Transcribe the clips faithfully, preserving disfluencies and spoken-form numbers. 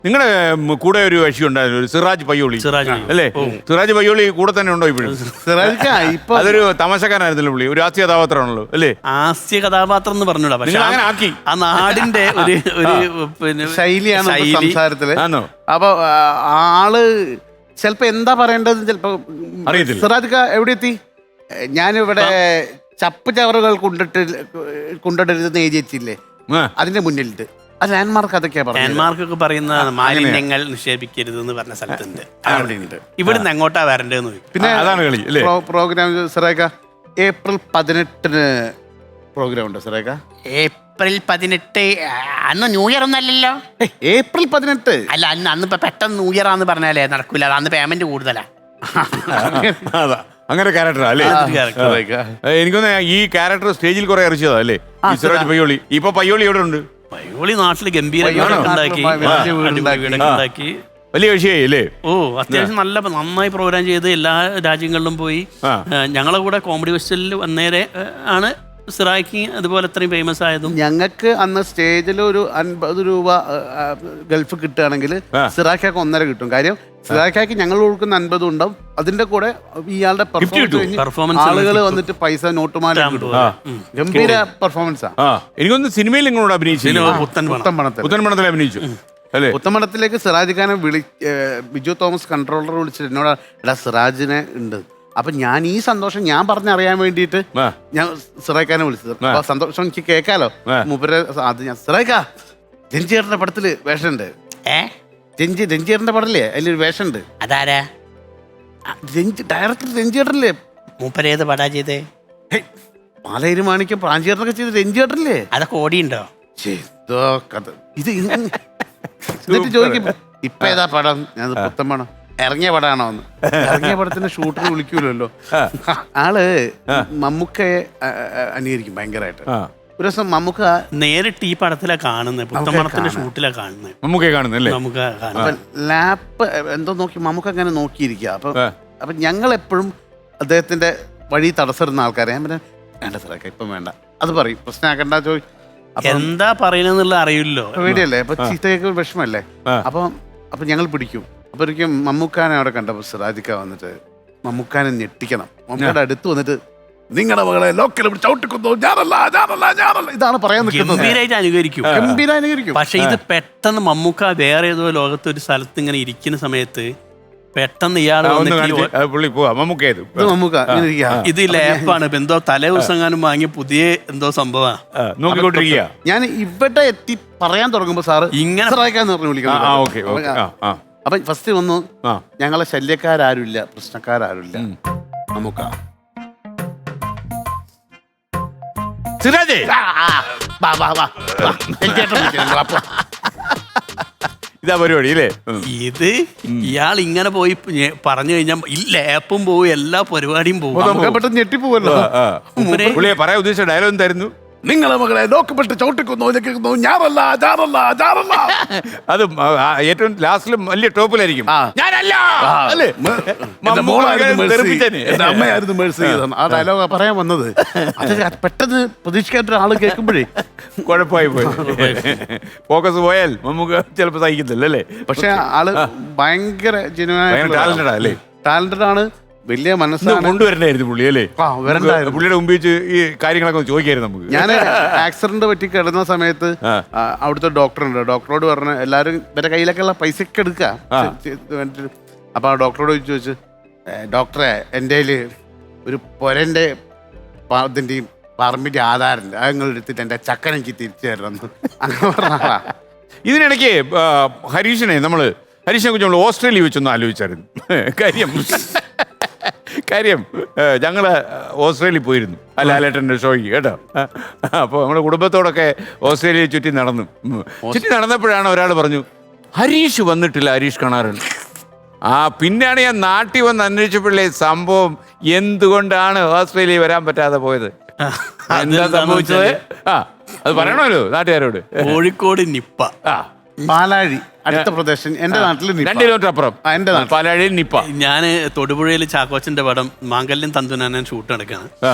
നിങ്ങളുടെ കൂടെ ഒരു കക്ഷി ഉണ്ടായിരുന്നു, ഒരു സിറാജ് പയ്യോളി അല്ലേ? സിറാജ് പയ്യോളി കൂടെ തന്നെ ഉണ്ടോ ഇപ്പോഴും? ഇപ്പൊ അതൊരു തമാശക്കാരനായിരുന്നല്ലോ പുള്ളി, ഒരു ഹാസ്യ കഥാപാത്രമാണല്ലോ അല്ലേ? ഹാസ്യ കഥാപാത്രം എന്ന് പറഞ്ഞൂടാ, പക്ഷെ അങ്ങനെ ആക്കി ആ നാടിന്റെ ഒരു ഒരു പിന്നെ ശൈലിയാണ് ശൈലി. സംസാരത്തില്. ആണോ? അപ്പൊ ആള് ചിലപ്പോ എന്താ പറയേണ്ടത് ചിലപ്പോ അറിയത്തില്ല. സിറാജ് എവിടെ എത്തി? ഞാനിവിടെ ചപ്പ് ചവറുകൾ കൊണ്ടിട്ട് കൊണ്ടിട്ടിരുന്ന് എഴുതിയില്ലേ, അതിന്റെ മുന്നിലുണ്ട്. ആ ലാൻഡ്മാർക്ക് അതൊക്കെയാ പറഞ്ഞത്. ലാൻഡ്മാർക്ക് ഒക്കെ പറയുന്ന മാലിന്യങ്ങൾ നിക്ഷേപിക്കരുത് എന്ന് പറഞ്ഞ സ്ഥലത്തുണ്ട്. ഇവിടുന്ന് എങ്ങോട്ടാ വരണ്ടേന്ന്. പിന്നെ അതാണ് കളി അല്ലേ? പ്രോഗ്രാം സിറേക്ക ഏപ്രിൽ പതിനെട്ടിന് പ്രോഗ്രാം ഉണ്ട് സിറേക്ക. ഏപ്രിൽ പതിനെട്ട് അന്ന് ന്യൂ ഇയർ ഒന്നല്ലല്ലോ. ഏപ്രിൽ പതിനെട്ട് അല്ല, അന്ന് അന്ന് ഇപ്പൊ പെട്ടെന്ന് ന്യൂ ഇയർ ആന്ന് പറഞ്ഞാലേ നടക്കൂല, അന്ന് പേയ്മെന്റ് കൂടുതലാ. അതാ അങ്ങനെ ക്യാരക്ടറാ അല്ലേ? എനിക്കൊന്ന് ഈ ക്യാരക്ടർ സ്റ്റേജിൽ കുറെ അറിയിച്ചതാ അല്ലേ സിറാജ് പയ്യോളി? ഇപ്പൊ പയ്യോളി എവിടെ ഉണ്ട്? പയ്യോളി നാട്ടില് ഗംഭീര ഉണ്ടാക്കി ഉണ്ടാക്കി വലിയ കക്ഷിയായി അല്ലേ? ഓ, അത്യാവശ്യം നല്ല നന്നായി പ്രോഗ്രാം ചെയ്ത് എല്ലാ രാജ്യങ്ങളിലും പോയി. ഞങ്ങളെ കൂടെ കോമഡി ഫെസ്റ്റിവലിൽ വന്നേരെ ആണ് സിറായ്ക്ക് അതുപോലെ അത്രയും ഫേമസ് ആയതും. ഞങ്ങൾക്ക് അന്ന് സ്റ്റേജിൽ ഒരു അൻപത് രൂപ ഗൾഫ് കിട്ടുകയാണെങ്കിൽ സിറാഖാക്ക് ഒന്നര കിട്ടും. കാര്യം സിറാഖാക്ക് ഞങ്ങൾ കൊടുക്കുന്ന അൻപതും ഉണ്ടാവും, അതിന്റെ കൂടെ ഇയാളുടെ പെർഫോമൻസ് ആളുകൾ വന്നിട്ട് പൈസ നോട്ടുമാല കിട്ടും. ഗംഭീര പെർഫോമൻസാ. എനിക്കൊന്ന് സിനിമയിൽ നിങ്ങളോട് അഭിനയിച്ചു, പുത്തൻപണത്തിൽ അഭിനയിച്ചു അല്ലേ? പുത്തമ്പണത്തിലേക്ക് സിറാജ് ഖാനെ വിളി ബിജു തോമസ് കൺട്രോളർ വിളിച്ചിട്ട് എന്നോട് എടാ സിറാജിനെ ഉണ്ട്. അപ്പൊ ഞാൻ ഈ സന്തോഷം ഞാൻ പറഞ്ഞറിയാൻ വേണ്ടിയിട്ട് ഞാൻ സിറാഖാനെ വിളിച്ചത്. അപ്പൊ സന്തോഷം എനിക്ക് കേൾക്കാലോ. മൂപ്പര് അത് ഞാൻ സിറാഖാ രഞ്ജിയേട്ടന്റെ പടത്തില് വേഷമുണ്ട്. ഏ രഞ്ജി രഞ്ജിയേട്ടന്റെ പടല്ലേ അതിലൊരു വേഷമുണ്ട്. അതാരാ? രഞ്ജി ഡയറക്ടർ രഞ്ജിയേട്ടനല്ലേ? മൂപ്പരേത് പടാ ചെയ്തേ? പാലേരി മാണിക്യം പ്രാഞ്ചിയേട്ടനൊക്കെ ചെയ്ത് രഞ്ജിയേട്ടനല്ലേ? അതൊക്കെ ഓടിയുണ്ടോ? കഥ ഇത് എന്നിട്ട് ചോദിക്കും ഇപ്പൊ ഏതാ പടം? ഞാൻ പുത്തൻ പടം. ഇറങ്ങിയ പടാണോ എന്ന്. ഇറങ്ങിയ പടത്തിന്റെ ഷൂട്ടിന് വിളിക്കൂലല്ലോ. ആള് മമ്മൂക്കയെ അനുകരിക്കും ഭയങ്കരമായിട്ട്. ഒരു ദിവസം മമ്മൂക്ക നേരിട്ട് ഈ പടത്തിലാ കാണുന്നത്, പുത്തമ്പണത്തിന്റെ ഷൂട്ടിലാ കാണുന്നത്. മമ്മൂക്കയെ കാണുന്നല്ലേ? നമുക്ക് ലാപ്പ് എന്തോ നോക്കി മമ്മൂക്ക അങ്ങനെ നോക്കിയിരിക്കുക. അപ്പൊ അപ്പൊ ഞങ്ങൾ എപ്പോഴും അദ്ദേഹത്തിന്റെ വഴി തടസ്സപ്പെടുന്ന ആൾക്കാരെ ഞാൻ പറയാം വേണ്ട സാറൊക്കെ ഇപ്പം വേണ്ട അത് പറയും, പ്രശ്നമാക്കണ്ട ചോദി എന്താ പറയണെന്നുള്ള അറിയില്ലോ. പേടിയല്ലേ? അപ്പൊ ചീത്തയൊക്കെ വിഷമല്ലേ? അപ്പൊ അപ്പൊ ഞങ്ങൾ പിടിക്കും. അപ്പൊ ഒരിക്കലും മമ്മൂക്കാനെ അവിടെ കണ്ടപ്പോ സിറാജിക്ക വന്നിട്ട് മമ്മൂക്കാനെ ഞെട്ടിക്കണം. മമ്മൂക്കയുടെ അടുത്ത് വന്നിട്ട് നിങ്ങളുടെ മകളെ ലോക്കൽ ചവിട്ടിക്കുന്നു, ഞാനല്ല ഞാനല്ല ഞാനല്ല ഇതാണ് പറയാൻ നിൽക്കുന്നത്. ഗംഭീരായിട്ട് അനുകരിക്കും, ഗംഭീര അനുകരിക്കും. പക്ഷെ ഇത് പെട്ടെന്ന് മമ്മൂക്ക വേറെ ഏതോ ലോകത്ത് ഒരു സ്ഥലത്ത് ഇങ്ങനെ ഇരിക്കുന്ന സമയത്ത് പെട്ടെന്ന് ഇയാൾ ഇത് ലേപ്പാണ്, എന്തോ തലേ ദിവസം എങ്ങാനും വാങ്ങിയ പുതിയ എന്തോ സംഭവമാണ്. ഞാൻ ഇവിടെ എത്തി പറയാൻ തുടങ്ങുമ്പോ സാറ് ഇങ്ങനെ പറഞ്ഞു വിളിക്കണം. അപ്പൊ ഫസ്റ്റ് വന്നു ഞങ്ങളെ ശല്യക്കാരാരുമില്ല, പ്രശ്നക്കാരാരുമില്ല. നമുക്ക് ഇതാ പരിപാടി അല്ലേ? ഇത് ഇയാൾ ഇങ്ങനെ പോയി പറഞ്ഞു കഴിഞ്ഞാൽ ലേപ്പും പോവും, എല്ലാ പരിപാടിയും പോകും. പെട്ടെന്ന് ഞെട്ടിപ്പോവല്ലോ. പറയാൻ ഉദ്ദേശിച്ച ഡയലോഗ് എന്തായിരുന്നു? നിങ്ങളെ മകളെ ലോക്കപ്പെട്ട് ചവിട്ടിക്കുന്നു, ഞാനല്ല ഞാനല്ല ഞാനല്ല. അത് ഏറ്റവും ലാസ്റ്റിലും വലിയ ടോപ്പിലായിരിക്കും. അമ്മയായിരുന്നു മേഴ്സി ചെയ്തത് ആ ഡയലോഗ് പറയാൻ വന്നത്. അത് പെട്ടെന്ന് പ്രതീക്ഷിക്കാത്ത ആള് കേൾക്കുമ്പോഴേ കുഴപ്പമായി പോയി. ഫോക്കസ് പോയാൽ നമുക്ക് ചിലപ്പോ സഹിക്കത്തില്ല അല്ലേ? പക്ഷെ ആള് ഭയങ്കര ജെന്യുവൻ ടാലന്റഡ് അല്ലേ? ടാലന്റഡ് ആണ്, വലിയ മനസ്സാണ്. കൊണ്ടുവരണ്ടായിരുന്നു പുള്ളി അല്ലേ? പുള്ളിയുടെ മുമ്പിൽ വെച്ച് ഈ കാര്യങ്ങളൊക്കെ ചോദിക്കായിരുന്നു നമുക്ക്. ഞാൻ ആക്സിഡന്റ് പറ്റി കിടന്ന സമയത്ത് അവിടുത്തെ ഡോക്ടർ ഉണ്ട്. ഡോക്ടറോട് പറഞ്ഞ എല്ലാവരും ഇവരുടെ കയ്യിലൊക്കെ ഉള്ള പൈസ ഒക്കെ എടുക്കുക. അപ്പൊ ആ ഡോക്ടറോട് ചോദിച്ചു ചോദിച്ചു ഡോക്ടറെ എൻ്റെ കയ്യിൽ ഒരു പൊരന്റെ ഇതിന്റെയും പറമ്പിന്റെ ആധാരമുണ്ട്, അത് നിങ്ങൾ എടുത്തിട്ട് എൻ്റെ ചക്കൻ എനിക്ക് തിരിച്ചു തരണം അങ്ങനെ പറഞ്ഞാ. ഇതിനിടയ്ക്ക് ഹരീഷിനെ നമ്മള് ഹരീഷിനെ കുറിച്ച് നമ്മൾ ഓസ്ട്രേലിയ വെച്ചൊന്ന് ആലോചിച്ചായിരുന്നു. കാര്യം കാര്യം ഞങ്ങള് ഓസ്ട്രേലിയ പോയിരുന്നു ആ ലാലേട്ടൻ്റെ ഷോയ്ക്ക് കേട്ടോ. അപ്പോൾ നമ്മുടെ കുടുംബത്തോടൊക്കെ ഓസ്ട്രേലിയ ചുറ്റി നടന്നു. ചുറ്റി നടന്നപ്പോഴാണ് ഒരാൾ പറഞ്ഞു ഹരീഷ് വന്നിട്ടില്ല, ഹരീഷ് കാണാറുണ്ട്. ആ പിന്നെയാണ് ഞാൻ നാട്ടിൽ വന്ന് അന്വേഷിച്ചപ്പോഴേ സംഭവം എന്തുകൊണ്ടാണ് ഓസ്ട്രേലിയ വരാൻ പറ്റാതെ പോയത്, എന്താ സംഭവിച്ചത്? ആ അത് പറയണമല്ലോ നാട്ടുകാരോട്. കോഴിക്കോട് നിപ്പ, പാലാഴി അടുത്ത പ്രദേശം എന്റെ നാട്ടിൽ രണ്ട് കിലോമീറ്റർ അപ്പുറം എന്റെ പാലാഴി നിപ്പ. ഞാൻ തൊടുപുഴയിൽ ചാക്കോച്ചന്റെ പടം മാംഗല്യം തന്തുനാൻ ഷൂട്ട് നടക്കാണ്.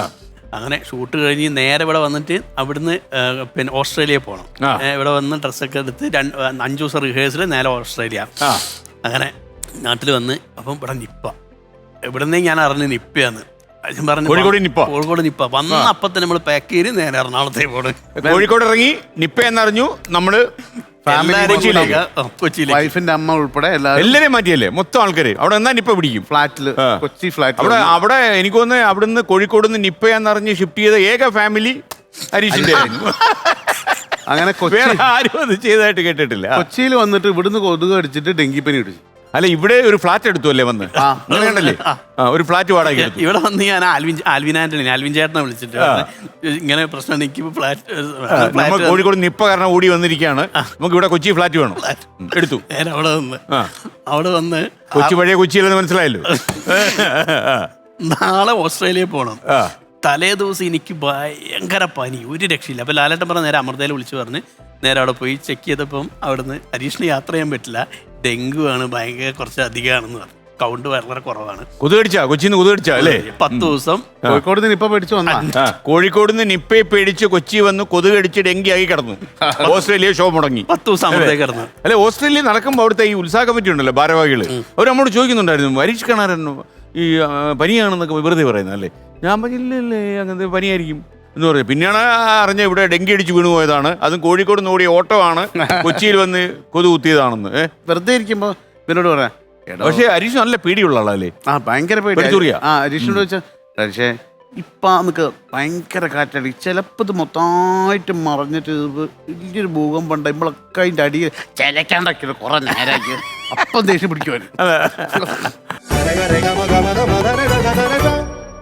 അങ്ങനെ ഷൂട്ട് കഴിഞ്ഞ് നേരെ ഇവിടെ വന്നിട്ട് അവിടുന്ന് ആ, പിന്നെ ഓസ്ട്രേലിയ പോകണം. ആ. ഏ, ഇവിടെ വന്ന് ഡ്രസ്സൊക്കെ എടുത്ത് രണ്ട് അഞ്ച് ദിവസം റിഹേഴ്സൽ നേരെ ഓസ്ട്രേലിയ. ആ. അങ്ങനെ നാട്ടിൽ വന്ന് അപ്പം ഇവിടെ നിപ്പ. എവിടുന്നേ ഞാൻ അറിഞ്ഞ് നിപ്പയാന്ന്. ഞാൻ പറഞ്ഞു കോഴിക്കോട് നിപ്പ. കോഴിക്കോട് നിപ്പ വന്ന അപ്പം തന്നെ നമ്മൾ പാക്ക് ചെയ്ത് നേരെ എറണാകുളത്തേക്ക് പോകണം. കോഴിക്കോട് ഇറങ്ങി നിപ്പ എന്നറിഞ്ഞു. നമ്മള് കൊച്ചിയിലേക്ക് കൊച്ചിയിലേക്ക് വൈഫിന്റെ അമ്മ ഉൾപ്പെടെ എല്ലാവരും എല്ലാരെയും മാറ്റിയല്ലേ മൊത്തം ആൾക്കാര് അവിടെ എന്നാ നിപ്പ പിടിക്കും. ഫ്ലാറ്റില് ആ. കൊച്ചി ഫ്ലാറ്റിൽ അവിടെ അവിടെ എനിക്ക് തോന്നുന്നു അവിടുന്ന് കോഴിക്കോട് നിന്ന് നിപ്പയെന്നറിഞ്ഞ് ഷിഫ്റ്റ് ചെയ്ത ഏക ഫാമിലി ഹരീഷിന്റെ ആയിരുന്നു. അങ്ങനെ കൊച്ചി വേറെ ആരും അത് ചെയ്തതായിട്ട് കേട്ടിട്ടില്ല. കൊച്ചിയിൽ വന്നിട്ട് ഇവിടുന്ന് കൊതുക് അടിച്ചിട്ട് ഡെങ്കിപ്പനി പിടിച്ചു. അല്ല ഇവിടെ ഒരു ഫ്ലാറ്റ് എടുത്തു അല്ലേ വന്ന് അങ്ങനെ കണ്ടല്ലേ? ആ, ഒരു ഫ്ലാറ്റ് വാടക എടുത്തു. ഇവിടെ വന്ന് ഞാൻ ആൽവിൻ ആൽവിൻ ആന്റണി ആൽവിൻ ചേട്ടനെ വിളിച്ചിട്ട് ഇങ്ങനെ പ്രശ്നം എനിക്ക് ഫ്ലാറ്റ് നമ്മൾ കോഴിക്കോട് നിപ്പ കാരണം ഓടി വന്നിരിക്കുകയാണ്, നമുക്ക് ഇവിടെ കൊച്ചി ഫ്ലാറ്റ് വേണം. ഉം, എടുത്തു. നേരെ അവിടെ വന്ന് ആ. അവിടെ വന്ന് കൊച്ചി പഴയ കൊച്ചിയിലെന്ന് മനസ്സിലായല്ലോ. നാളെ ഓസ്ട്രേലിയയിൽ പോകണം. ആ. തലേ ദിവസം എനിക്ക് ഭയങ്കര പനി, ഒരു രക്ഷയില്ല. അപ്പോൾ ലാലേട്ടൻ പറഞ്ഞ നേരെ അമൃതയിൽ വിളിച്ചു പറഞ്ഞ് നേരെ അവിടെ പോയി ചെക്ക് ചെയ്തപ്പം അവിടുന്ന് ഹരീഷിന് യാത്ര ചെയ്യാൻ പറ്റില്ല, ഡെങ്കു ആണ്, ഭയങ്കര കുറച്ച് അധികമാണെന്ന് പറഞ്ഞു. കൗണ്ട് വളരെ കുറവാണ്. കൊതുകടിച്ചാ കൊച്ചിന്ന് കൊതുകടിച്ചാ അല്ലേ? പത്ത് ദിവസം കോഴിക്കോട് നിന്ന് ഇപ്പൊ പേടിച്ചു വന്നാ ആ, കോഴിക്കോട് നിന്ന് നിപ്പയെ പേടിച്ച് കൊച്ചി വന്ന് കൊതുകടിച്ച് ഡെങ്കി ആയി കിടന്നു. ഓസ്ട്രേലിയ ഷോ മുടങ്ങി. പത്ത് ദിവസം അമൃതയിൽ കിടന്നു. അല്ലെ ഓസ്ട്രേലിയ നടക്കുമ്പോൾ അവിടുത്തെ ഈ ഉത്സാഹ കമ്മിറ്റി ഉണ്ടല്ലോ ഭാരവാഹികള്, അവർ നമ്മോട് ചോദിക്കുന്നുണ്ടായിരുന്നു ഹരീഷ് കണാരൻ ഈ ആ, പനിയാണെന്നൊക്കെ വെറുതെ പറയുന്നത് അല്ലേ? ഞാൻ പറഞ്ഞില്ലല്ലേ അങ്ങനത്തെ പനിയായിരിക്കും എന്ന് പറഞ്ഞു. പിന്നെയാണ് അറിഞ്ഞ ഇവിടെ ഡെങ്കി അടിച്ച് വീണു പോയതാണ്, അതും കോഴിക്കോട് നിന്ന് ഓടിയ ഓട്ടോ ആണ്, കൊച്ചിയിൽ വന്ന് കൊതു കുത്തിയതാണെന്ന്. ഏഹ് വെറുതെ ഇരിക്കുമ്പോ ഇവനോട് പറയാം. പക്ഷെ ഹരീഷ് നല്ല പേടിയുള്ള ആളല്ലേ? ആ ഭയങ്കര പേടി. പേടിച്ചൂറിയാ? ആ ഹരീഷിനോട് വെച്ചാൽ പക്ഷേ ഇപ്പൊ നമുക്ക് ഭയങ്കര കാറ്റടി, ചിലപ്പോ ഇത് മൊത്തമായിട്ട് മറിഞ്ഞിട്ട് ഇത് വലിയൊരു ഭൂകമ്പം ഉണ്ട്, നമ്മളൊക്കെ അതിന്റെ അടിയിൽ ചിലക്കാണ്ടൊക്കെ കുറെ നേരമാക്കി അപ്പം ദേഷ്യം പിടിക്കുവാൻ.